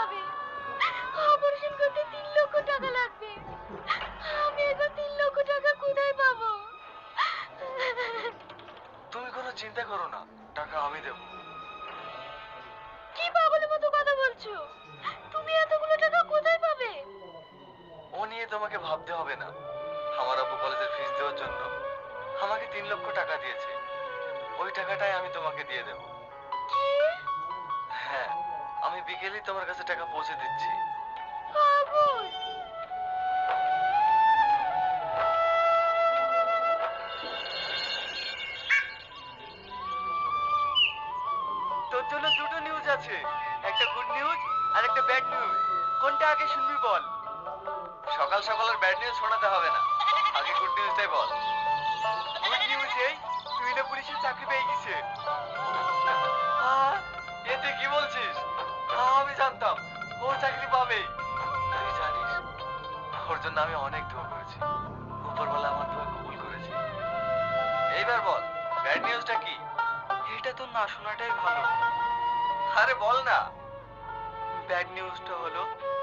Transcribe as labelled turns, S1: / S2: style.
S1: হবে। অপারেশন করতে 3 লক্ষ টাকা লাগবে। আমি এখন 3 লক্ষ টাকা কোথায় পাবো?
S2: তুমি কোনো চিন্তা করো না, টাকা আমি দেবো।
S1: কি পাগলের মতো কথা বলছো? তুমি এতগুলো টাকা কোথায় পাবে?
S2: ও নিয়ে তোমাকে ভাবতে হবে না। আমার আব্বু কলেজের ফিস দেওয়ার জন্য আমাকে 3 লক্ষ টাকা দিয়েছে। ওই টাকাটাই আমি তোমাকে দিয়ে দেবো।
S1: কি?
S2: হ্যাঁ, আমি বিকেলেই তোমার কাছে টাকা পৌঁছে দিচ্ছি।
S1: পাগল!
S2: তোর জন্য দুটো নিউজ আছে, একটা গুড নিউজ আর একটা ব্যাড নিউজ। কোনটা আগে শুনবি বল? সকাল সকাল আর ব্যাড নিউজ শোনাতে হবে না, আগে গুড নিউজটাই বল। গুড নিউজ এই, তুই না পুলিশের চাকরি পেয়ে গেছে। এ তুই কি বলছিস? আমি জানতাম ও চাকরি পাবেই। তুই জানিস ওর জন্য আমি অনেক দোয়া করেছি, উপরওয়ালা আমার দোয়া কবুল করেছে। এইবার বল ব্যাড নিউজটা কি? এটা তো না শোনাটাই ভালো। আরে বল না। ব্যাড নিউজটা হলো